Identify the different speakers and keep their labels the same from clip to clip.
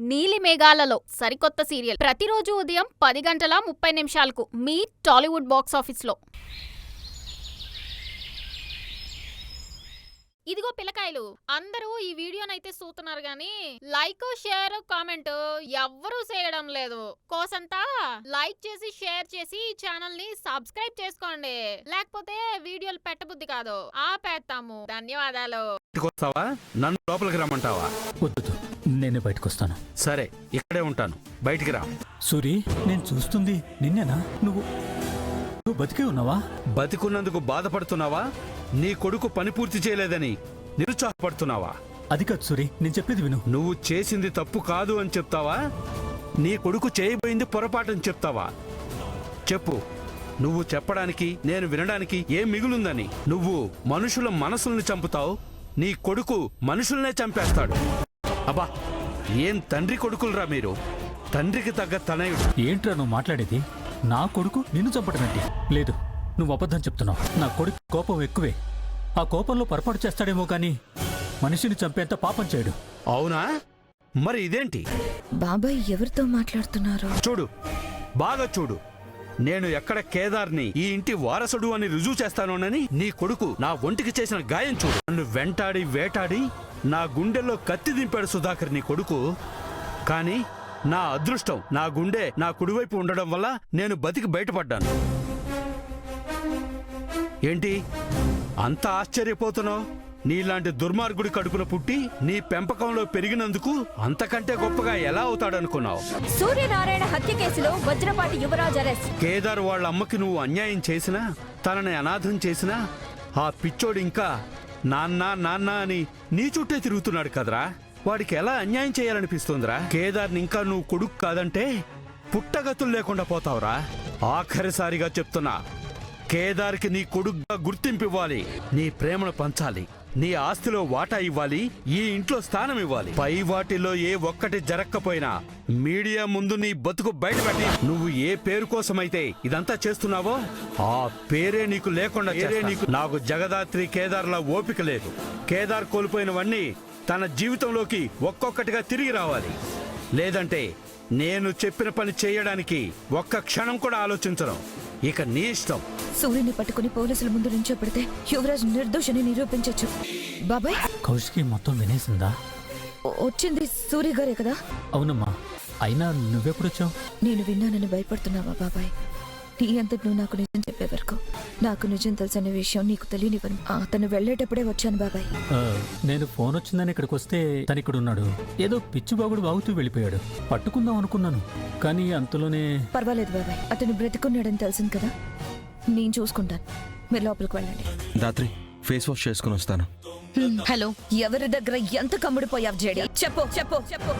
Speaker 1: నీలి మేఘాలలో సరికొత్త సీరియల్ ప్రతిరోజు ఉదయం 10:30 మీ టాలీవుడ్ బాక్స్ ఆఫీస్లో. ఇదిగో పిల్లకాయలు, అందరూ ఈ వీడియోనైతే చూస్తున్నారు గాని లైక్, షేర్, కామెంట్ ఎవ్వరూ చేయడం లేదు. కోసంతా లైక్ చేసి షేర్ చేసి ఈ ఛానల్ ని సబ్స్క్రైబ్ చేసుకోండి, లేకపోతే వీడియోలు పెట్టబుద్ధి కాదు, ఆపేస్తాము. ధన్యవాదాలు.
Speaker 2: నన్ను లోపలికి రమ్మంటావా?
Speaker 3: వద్దు, నేనే బయటకు వస్తాను.
Speaker 2: సరే, ఇక్కడే ఉంటాను, బయటికి రా.
Speaker 3: సూరి, నేను చూస్తుంది నిన్నేనా? నువ్వు బతికే ఉన్నావా?
Speaker 2: బతికున్నందుకు బాధపడుతున్నావా? నీ కొడుకు పని పూర్తి చేయలేదని నిరుత్సాహపడుతున్నావా?
Speaker 3: అది కాదు సూరి, నేను చెప్పేది విను.
Speaker 2: నువ్వు చేసింది తప్పు కాదు అని చెప్తావా? నీ కొడుకు చేయబోయింది పొరపాటని చెప్తావా? చెప్పు. నువ్వు చెప్పడానికి నేను వినడానికి ఏం మిగులుందని? నువ్వు మనుషుల మనసుల్ని చంపుతావు, నీ కొడుకు మనుషుల్నే చంపేస్తాడు. అబ్బా, ఏం తండ్రి కొడుకులరా మీరు! తండ్రికి తగ్గ తనయుడు.
Speaker 3: ఏంట్రా నువ్వు మాట్లాడేది? నా కొడుకు నిన్ను చంపటమేంటి? లేదు, నువ్వు అబద్ధం చెప్తున్నావు. నా కొడుకు కోపం ఎక్కువే. ఆ కోపంలో పొరపాటు చేస్తాడేమో కానీ మనిషిని చంపేంత పాపం చేయడు.
Speaker 2: అవునా? మరి ఇదేంటి?
Speaker 4: బాబాయ్ ఎవరితో మాట్లాడుతున్నారు?
Speaker 2: చూడు, బాగా చూడు. నేను ఎక్కడ కేదార్ని ఈ ఇంటి వారసుడు అని రుజువు చేస్తానోనని నీ కొడుకు నా ఒంటికి చేసిన గాయం చూడు. నన్ను వెంటాడి వేటాడి నా గుండెల్లో కత్తి దింపాడు సుధాకర్ నీ కొడుకు. కానీ నా అదృష్టం, నా గుండె నా కుడివైపు ఉండడం వల్ల నేను బతికి బయటపడ్డాను. ఏంటి అంత ఆశ్చర్యపోతున్నావు? నీలాంటి దుర్మార్గుడి కడుపున పుట్టి నీ పెంపకంలో పెరిగినందుకు అంతకంటే గొప్పగా ఎలా అవుతాడనుకున్నావు?
Speaker 4: సూర్యనారాయణ హత్య కేసులో వజ్రపాటి యువరాజ్ అరెస్ట్.
Speaker 2: కేదార్ వాళ్ళ అమ్మకి నువ్వు అన్యాయం చేసినా, తనని అనాథం చేసినా ఆ పిచ్చోడు ఇంకా నాన్న నాన్న అని నీ చుట్టే తిరుగుతున్నాడు కదరా. వాడికి ఎలా అన్యాయం చేయాలనిపిస్తుందిరా? కేదార్ని ఇంకా నువ్వు కొడుకు కాదంటే పుట్టగతులు లేకుండా పోతావురా. ఆఖరిసారిగా చెప్తున్నా, కేదార్కి నీ కొడుకుగా గుర్తింపు ఇవ్వాలి, నీ ప్రేమను పంచాలి, నీ ఆస్తిలో వాటా ఇవ్వాలి, ఈ ఇంట్లో స్థానం ఇవ్వాలి. పై వాటిలో ఏ ఒక్కటి జరక్కపోయినా మీడియా ముందు నీ బతుకు బయటపెట్టి నువ్వు ఏ పేరు కోసమైతే ఇదంతా చేస్తున్నావో ఆ పేరే నీకు లేకుండా నాకు జగదాత్రి కేదార్లా ఓపిక లేదు. కేదార్ కోల్పోయినవన్నీ తన జీవితంలోకి ఒక్కొక్కటిగా తిరిగి రావాలి. లేదంటే నేను చెప్పిన పని చేయడానికి ఒక్క క్షణం కూడా ఆలోచించను. ఇక నీ ఇష్టం.
Speaker 4: సూర్యుని పట్టుకుని పోలీసుల ముందు నుంచో పెడితే యువరాజ్ నిర్దోషని నిరూపించొచ్చు. బాబాయ్,
Speaker 3: కౌశికి మొత్తం వినేసిందా?
Speaker 4: వచ్చింది సూర్య గారే కదా?
Speaker 3: అవునమ్మా. అయినా నువ్వెప్పుడొచ్చావు?
Speaker 4: నేను విన్నానని భయపడుతున్నావా బాబాయ్? నీ అంతటి నువ్వు నాకు నిజం చెప్పే వరకు నాకు నిజం తెలుసనే విషయం నీకు తెలియనివ్వను. అతను వెళ్ళేటప్పుడే వచ్చాను బాబాయ్.
Speaker 3: నేను ఫోన్ వచ్చిందని ఇక్కడికి వస్తే తను ఇక్కడ ఉన్నాడు. ఏదో పిచ్చిబాగుడు వాగుతూ వెళ్ళిపోయాడు. పట్టుకుందాం అనుకున్నాను, కానీ అంతలోనే...
Speaker 4: పర్వాలేదు బాబాయ్, అతను బ్రతికున్నాడని తెలిసింది కదా, నేను చూసుకుంటాను. మీరు లోపలికి వెళ్ళండి.
Speaker 5: రాత్రి ఫేస్ వాష్ చేసుకుని వస్తాను.
Speaker 4: హలో, ఎవరి దగ్గర ఎంత కమ్ముడిపోయావు జేడి? చెప్పు చెప్పు చెప్పు.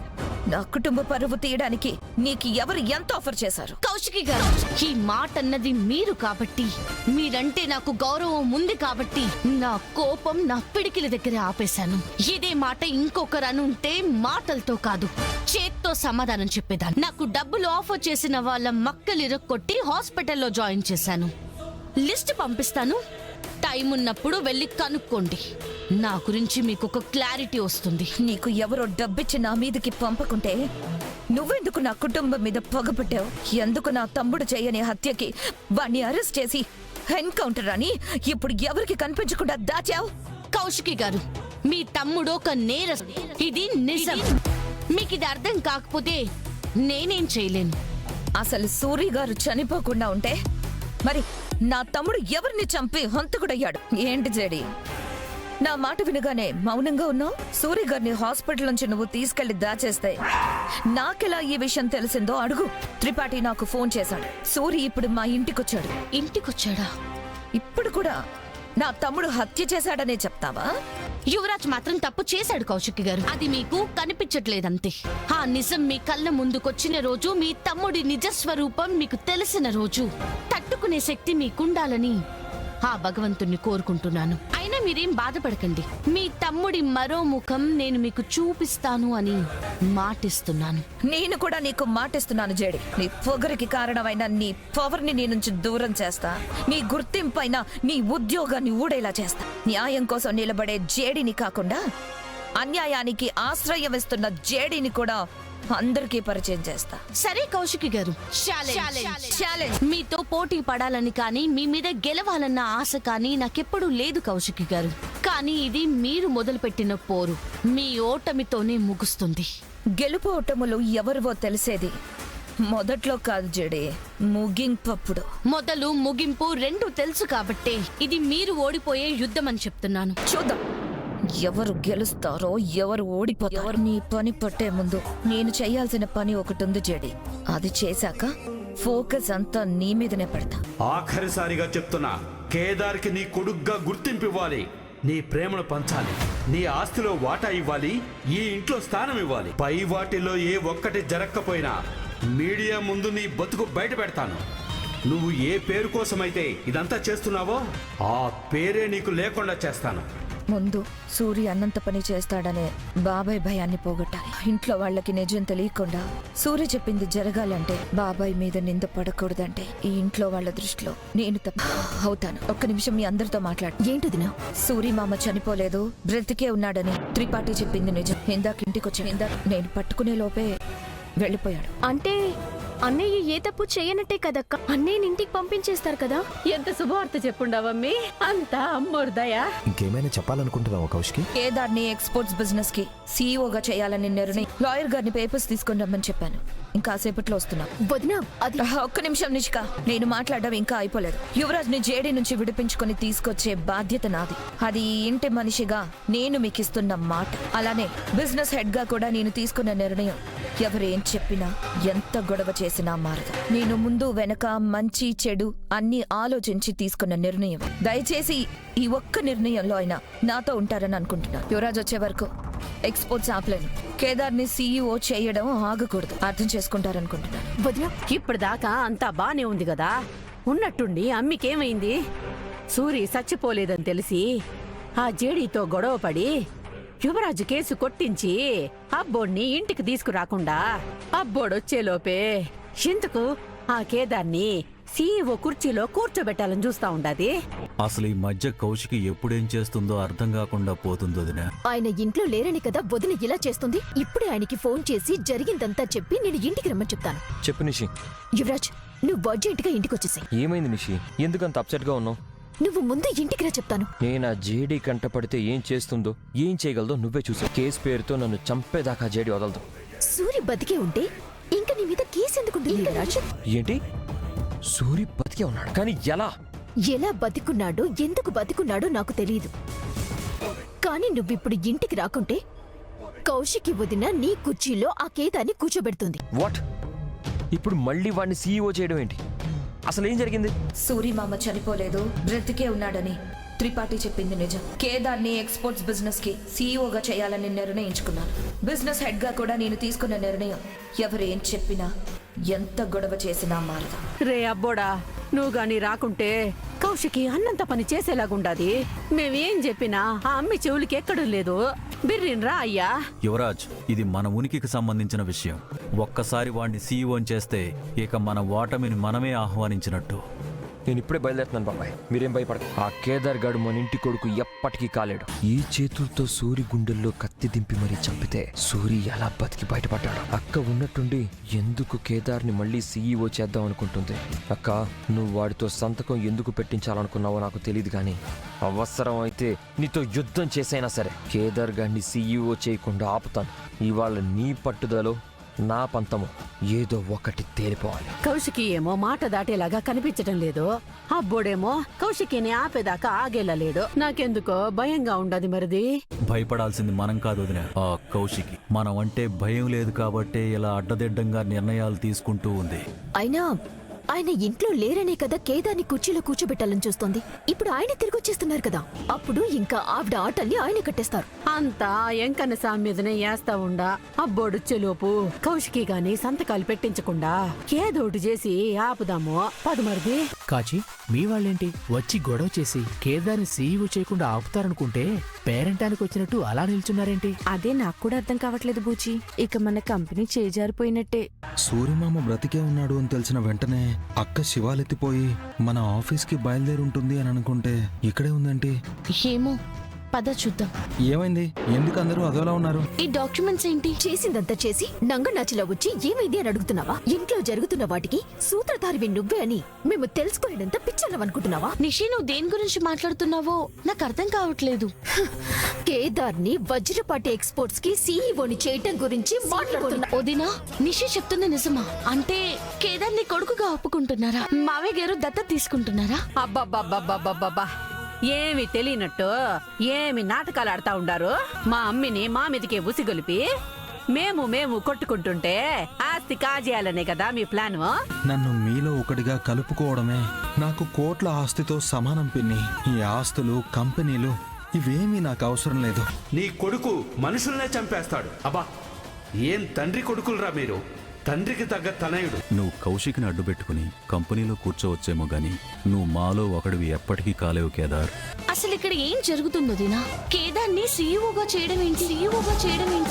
Speaker 4: నా కుటుంబ పరువు తీయడానికి నీకు ఎవరు ఎంత ఆఫర్ చేశారు?
Speaker 6: కౌశికి గారు, ఈ మాట అన్నది మీరు కాబట్టి, మీరంటే నాకు గౌరవం ఉంది కాబట్టి నా కోపం నా పిడికిల దగ్గర ఆపేశాను. ఇదే మాట ఇంకొకరు అనుంటే మాటలతో కాదు, చేత్తో సమాధానం చెప్పేదాన్ని. నాకు డబ్బులు ఆఫర్ చేసిన వాళ్ళ మక్కలిరక్కొట్టి హాస్పిటల్లో జాయిన్ చేశాను. లిస్ట్ పంపిస్తాను, టైం ఉన్నప్పుడు వెళ్ళి కనుక్కోండి. నా గురించి మీకు ఒక క్లారిటీ వస్తుంది.
Speaker 4: నీకు ఎవరో డబ్బిచ్చి నా మీదకి పంపకుంటే నువ్వెందుకు నా కుటుంబం మీద పొగపట్టావు? ఎందుకు నా తమ్ముడు చేయని హత్యకి వాణ్ణి అరెస్ట్ చేసి ఎన్కౌంటర్ అని ఇప్పుడు ఎవరికి కనిపించకుండా దాచావు?
Speaker 6: కౌశికి గారు, మీ తమ్ముడు ఒక నేరస్తుడు, ఇది నిజం. మీకు ఇది అర్థం కాకపోతే నేనేం చేయలేను.
Speaker 4: అసలు సూరి గారు చనిపోకుండా ఉంటే మరి నా తమ్ముడు ఎవరిని చంపి హంతకుడయ్యాడు? ఏంటి జేడి, నా మాట వినగానే మౌనంగా ఉన్నావు? సూరి గారిని హాస్పిటల్ నుంచి నువ్వు తీసుకెళ్లి దాచేస్తే నాకెలా ఈ విషయం తెలిసిందో అడుగు. త్రిపాఠి నాకు ఫోన్ చేశాడు. సూరి ఇప్పుడు మా ఇంటికొచ్చాడు.
Speaker 6: ఇంటికొచ్చాడా?
Speaker 4: ఇప్పుడు కూడా నా తమ్ముడు హత్య చేశాడనే చెప్తావా?
Speaker 6: యువరాజ్ మాత్రం తప్పు చేశాడు కౌశికి గారు, అది మీకు కనిపించట్లేదంతే. ఆ నిజం మీ కళ్ళ ముందుకొచ్చిన రోజు, మీ తమ్ముడి నిజస్వరూపం మీకు తెలిసిన రోజు తట్టుకునే శక్తి మీకుండాలని ఆ భగవంతుణ్ణి కోరుకుంటున్నాను. అయినా మీరేం బాధపడకండి, మీ తమ్ముడి మరో ముఖం నేను మీకు చూపిస్తాను అని మాటిస్తున్నాను.
Speaker 4: నేను కూడా నీకు మాటిస్తున్నాను జేడి. నీ పొగరికి కారణమైన నీ పవర్ని నీ నుంచి దూరం చేస్తా. నీ గుర్తింపైన నీ ఉద్యోగాన్ని ఊడేలా చేస్తా. న్యాయం కోసం నిలబడే జేడిని కాకుండా అన్యాయానికి ఆశ్రయం ఇస్తున్న జేడీని కూడా అందరికీ పరిచయం చేస్తా.
Speaker 6: సరే కౌశికి గారు, ఛాలెంజ్. మీతో పోటీ పడాలని కానీ మీ మీద గెలవాలన్న ఆశ కానీ నాకెప్పుడూ లేదు కౌశికి గారు. కానీ ఇది మీరు మొదలుపెట్టిన పోరు మీ ఓటమితోనే ముగుస్తుంది.
Speaker 4: గెలుపు ఓటములు ఎవరివో తెలిసేది మొదట్లో కాదు జేడీ, ముగింపప్పుడు.
Speaker 6: మొదలు ముగింపు రెండు తెలుసు కాబట్టే ఇది మీరు ఓడిపోయే యుద్ధం అని చెప్తున్నాను.
Speaker 4: చూద్దాం ఎవరు గెలుస్తారో ఎవరు ఓడిపోతారో. నీ పని పట్టే ముందు నేను చేయాల్సిన పని ఒకటి ఉంది జేడీ. అది చేశాక ఫోకస్ అంతా నీ మీదనే పెడతా.
Speaker 2: ఆఖరిసారిగా చెప్తున్నా, కేదార్కి నీ కొడుగ్గా గుర్తింపు ఇవ్వాలి, నీ ప్రేమను పంచాలి, నీ ఆస్తిలో వాటా ఇవ్వాలి, ఈ ఇంట్లో స్థానం ఇవ్వాలి. పై వాటిలో ఏ ఒక్కటి జరగకపోయినా మీడియా ముందు నీ బతుకు బయట పెడతాను. నువ్వు ఏ పేరు కోసమైతే ఇదంతా చేస్తున్నావో ఆ పేరే నీకు లేకుండా చేస్తాను.
Speaker 4: ముందు సూర్య అన్నంత పని చేస్తాడనే బాబాయ్ భయాన్ని పోగొట్టాలి. ఇంట్లో వాళ్ళకి నిజం తెలియకుండా సూర్య చెప్పింది జరగాలంటే, బాబాయ్ మీద నింద పడకూడదంటే ఈ ఇంట్లో వాళ్ళ దృష్టిలో నేను తప్ప అవుతాను. ఒక్క నిమిషం మీ అందరితో మాట్లాడు. ఏంటిదినా? సూరి మామ చనిపోలేదు, బ్రతికే ఉన్నాడని త్రిపాఠి చెప్పింది నిజం. ఇందాక ఇంటికొచ్చాను. ఇందాక నేను పట్టుకునే లోపే వెళ్ళిపోయాడు.
Speaker 7: అంటే అన్నయ్య ఏ తప్పు చేయనట్టే కదక్క, అన్నయ్యని ఇంటికి పంపించేస్తారు కదా.
Speaker 8: ఎంత శుభవార్త చెప్పుండవమ్మి, అంతా అమ్మోర్దయా.
Speaker 9: ఇంకేమైనా చెప్పాలనుకుంటున్నావా కౌశికి?
Speaker 4: కేదార్ని ఎక్స్పోర్ట్స్ బిజినెస్ కి సీఈఓగా చేయాలని నిర్ణయం. లాయర్ గారిని పేపర్స్ తీసుకొని రమ్మని చెప్పాను. ఇంకా సేపట్లో వస్తున్నా.
Speaker 7: వదినా అది
Speaker 4: ఒక్క నిమిషం నిష్క, నేను మాట్లాడడం ఇంకా అయిపోలేదు. యువరాజ్ ని జేడీ నుంచి విడిపించుకొని తీసుకొచ్చే బాధ్యత నాది. అది ఈ ఇంటి మనిషిగా నేను మీకు ఇస్తున్న మాట. అలానే బిజినెస్ హెడ్ గా కూడా నేను తీసుకున్న నిర్ణయం ఎవరేం చెప్పినా ఎంత గొడవ చేసినా మారదు. నేను ముందు వెనక మంచి చెడు అన్ని ఆలోచించి తీసుకున్న నిర్ణయం. దయచేసి ఈ ఒక్క నిర్ణయంలో అయినా నాతో ఉంటారని అనుకుంటున్నా. యువరాజ్ వచ్చే వరకు ఎక్స్పోర్ట్స్ ఆపలేను. కేదార్ని సీఈఓ చేయడం ఆగకూడదు. అర్థం చేసుకుంటారనుకుంటున్నాను.
Speaker 7: వదినా
Speaker 8: ఇప్పటిదాకా అంతా బానే ఉంది కదా, ఉన్నట్టుండి అమ్మికేమైంది? సూరి చచ్చిపోలేదని తెలిసి ఆ జేడీతో గొడవపడి యువరాజు కేసు కొట్టించి అబ్బోడ్ని ఇంటికి తీసుకురాకుండా అబ్బోడొచ్చేలోపే ఎందుకు ఆ కేదార్ని సీఈఓ కుర్చీలో కూర్చోబెట్టాలని చూస్తా ఉండాది.
Speaker 10: అసలు ఈ మధ్య కౌశికి ఎప్పుడేం చేస్తుందో అర్థం కాకుండా పోతుందో వదినా.
Speaker 7: ఆయన ఇంట్లో లేరని కదా వదిన ఇలా చేస్తుంది. ఇప్పుడే ఆయనకి ఫోన్ చేసి జరిగిందంతా చెప్పి నేను ఇంటికి రమ్మని చెప్తాను.
Speaker 9: చెప్పు నిషి.
Speaker 7: యువరాజ్, నువ్వు అర్జెంట్ గా ఇంటికి వచ్చేసి.
Speaker 9: ఏమైంది నిషి? ఎందుకంత అప్సెట్ గా ఉన్నావు?
Speaker 7: నువ్వు ముందు ఇంటికి రా చెప్తాను.
Speaker 9: నేను ఆ జేడీ కంట పడితే ఏం చేస్తుందో ఏం చేయగలదో నువ్వే చూసావు. కేసు పేరుతో నన్ను చంపేదాకా జేడీ వదలదు.
Speaker 7: సూరి బతికే ఉంటే ఇంకా నీ మీద కేసు ఎందుకుంటుంది యువరాజ్?
Speaker 9: ఏంటి? సూరి బతికే ఉన్నాడు, కానీ ఎలా?
Speaker 7: ఎలా బతికున్నాడో ఎందుకు బతికున్నాడో నాకు తెలియదు. కానీ నువ్విప్పుడు ఇంటికి రాకుంటే కౌశికి వదిన నీ కుర్చీలో ఆ కేదాన్ని కూర్చోబెడుతుంది.
Speaker 9: వాట్? ఇప్పుడు మళ్ళీ వాడిని సీఈఓ చేయడం ఏంటి? అసలు ఏం జరిగింది?
Speaker 4: సూరి మామ చనిపోలేదు, బ్రతికే ఉన్నాడని త్రిపాఠి చెప్పింది నిజం. కేదార్ని ఎక్స్పోర్ట్స్ బిజినెస్ కి సీఈఓగా చేయాలని నిర్ణయించుకున్నాను. బిజినెస్ హెడ్ గా కూడా నేను తీసుకున్న నిర్ణయం ఎవరేం చెప్పినా ఎంత గొడవ చేసినా మారదు.
Speaker 8: రే అబ్బోడా, నువ్వు గాని రాకుంటే కౌశికి అన్నంత పని చేసేలాగుండాది. మేమేం చెప్పినా ఆ అమ్మి చెవులకి ఎక్కడం లేదు. బిర్రిన్రా అయ్యా.
Speaker 10: యువరాజ్, ఇది మన ఉనికికి సంబంధించిన విషయం. ఒక్కసారి వాడిని సీఈఓని చేస్తే ఇక మన ఓటమిని మనమే ఆహ్వానించినట్టు.
Speaker 9: నేను ఇప్పుడే బయలుదేరుతున్నాను బాబాయ్, మీరేం భయపడదు. ఆ కేదార్ గాడు మన ఇంటి కొడుకు ఎప్పటికీ కాలేడు. ఈ చేతులతో సూరి గుండెల్లో కత్తి దింపి మరీ చంపితే సూరి ఎలా బతికి బయటపడ్డాడు? అక్క ఉన్నట్టుండి ఎందుకు కేదార్ని మళ్ళీ సీఈఓ చేద్దాం అనుకుంటుంది? అక్క, నువ్వు వాడితో సంతకం ఎందుకు పెట్టించాలనుకున్నావో నాకు తెలియదు, కానీ అవసరం అయితే నీతో యుద్ధం చేసైనా సరే కేదార్ గాడిని సీఈఓ చేయకుండా ఆపుతాను. ఇవాళ నీ పట్టుదలో నా పంతము ఏదో ఒకటి తేలిపోవాలి.
Speaker 8: కౌశికి ఏమో మాట దాటేలాగా కనిపించటం లేదు. అబ్బోడేమో కౌశికిని ఆపేదాకా ఆగేలా నాకెందుకో భయంగా ఉండదు. మరిది
Speaker 10: భయపడాల్సింది మనం కాదు వదినా, ఆ కౌశికి. మనం అంటే భయం లేదు కాబట్టే ఇలా అడ్డదిడ్డంగా నిర్ణయాలు తీసుకుంటూ ఉంది.
Speaker 7: అయినా ఆయన ఇంట్లో లేరనే కదా కేదార్ని కుర్చీలో కూర్చోబెట్టాలని చూస్తోంది. ఇప్పుడు ఆయన తిరిగి వచ్చేస్తున్నారు కదా, అప్పుడు ఇంకా ఆవిడ ఆటల్ని ఆయన కట్టేస్తారు.
Speaker 8: అంతా ఎంకన్న సామి మీదనే వేస్తా ఉండా. అబ్బోడొచ్చేలోపు కౌశికి గాని సంతకాలు పెట్టించకుండా ఏదోటి చేసి ఆపుదాము. పదమరిది.
Speaker 11: కాచి, మీ వాళ్ళేంటి వచ్చి గొడవ చేసి కేదార్ని సీఈఓ చేయకుండా ఆపుతారనుకుంటే పేరెంటానికి వచ్చినట్టు అలా నిల్చున్నారేంటి?
Speaker 7: అదే నాకు కూడా అర్థం కావట్లేదు బూచి. ఇక మన కంపెనీ చేజారిపోయినట్టే.
Speaker 5: సూర్యమామ బ్రతికే ఉన్నాడు అని తెలిసిన వెంటనే అక్క శివాలెత్తిపోయి మన ఆఫీస్కి బయలుదేరి ఉంటుంది అని అనుకుంటే ఇక్కడే ఉందేంటి?
Speaker 6: ఏమో, పద చూద్దాం.
Speaker 5: ఏమైంది? ఎందుకు అందరూ అదోలా ఉన్నారు?
Speaker 6: ఈ డాక్యుమెంట్స్ ఏంటి?
Speaker 7: చేసిందంతా చేసి నంగనాచిలా వచ్చి ఏమైంది అని అడుగుతున్నావా? ఇంట్లో జరుగుతున్న వాటికి సూత్రధారివి నువ్వే అని మేము తెలుసుకోలేనంత పిచ్చలవనుకుంటున్నావా?
Speaker 6: నిషి, నువ్వు దేని గురించి మాట్లాడుతున్నావో నాకు అర్థం కావట్లేదు.
Speaker 7: కేదార్ని వజ్రపాటి ఎక్స్పోర్ట్స్ కి సీఈఓని చేయటం గురించి మాట్లాడుతున్నా.
Speaker 6: వదినా, నిషి చెప్తుంది నిజమా? అంటే కేదార్ నీ కొడుకుగా ఒప్పుకుంటున్నారా? మావయ్య గారు దత్తత తీసుకుంటున్నారా?
Speaker 8: అబ్బబ్బబ్బబ్బబ్బబ్బా, ఏమి తెలియనట్టు ఏమి నాటకాలు ఆడుతా ఉండారు. మా అమ్మిని మా మీదకే ఉసిగొలిపి మేము కొట్టుకుంటుంటే ఆస్తి కాజేయాలనే కదా మీ ప్లాన్?
Speaker 5: నన్ను మీలో ఒకటిగా కలుపుకోవడమే నాకు కోట్ల ఆస్తితో సమానం పిన్ని. ఈ ఆస్తులు, కంపెనీలు ఇవేమీ నాకు అవసరం లేదు.
Speaker 2: నీ కొడుకు మనుషుల్నే చంపేస్తాడు. అబ్బా, ఏం తండ్రి కొడుకులరా మీరు! తండ్రికి తగ్గ తనయుడు.
Speaker 10: నువ్వు కౌశిక్ని అడ్డుపెట్టుకుని కంపెనీలో కూర్చోవచ్చేమో గాని నువ్వు మాలో ఒకడివి ఎప్పటికీ కాలేవు కేదార్.
Speaker 6: అసలు ఇక్కడ ఏం జరుగుతుందో దినా? కేదార్ని సీఈఓగా చేయడం ఏంటి?